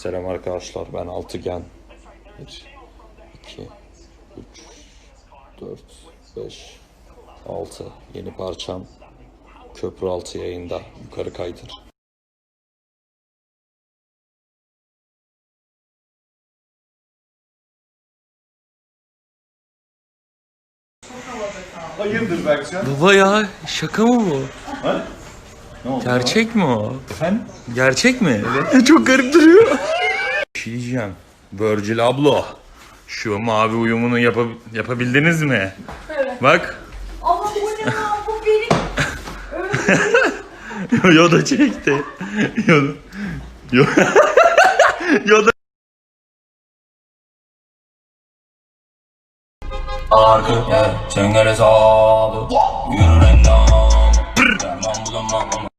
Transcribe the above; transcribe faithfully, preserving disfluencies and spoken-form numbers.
Selam arkadaşlar, ben Altıgen. bir, iki, üç, dört, beş, altı. Yeni parçam Köprü Altı yayında. Yukarı kaydır. Hayırdır Berkcan? Baba ya, şaka mı bu? Ha? Ne oldu? Gerçek mi o? Efendim? Gerçek mi? Evet. Çok garip duruyor. Bir şey diyeceğim. Virgil ablo. Şu mavi uyumunu yapa yapabildiniz mi? Evet. Bak. Ama bu ne lan? Bu benim. Yoda çekti. Yoda. Yoda. Yoda. Arka yer, çengel hesabı. Yürü endam. Derman bulamam.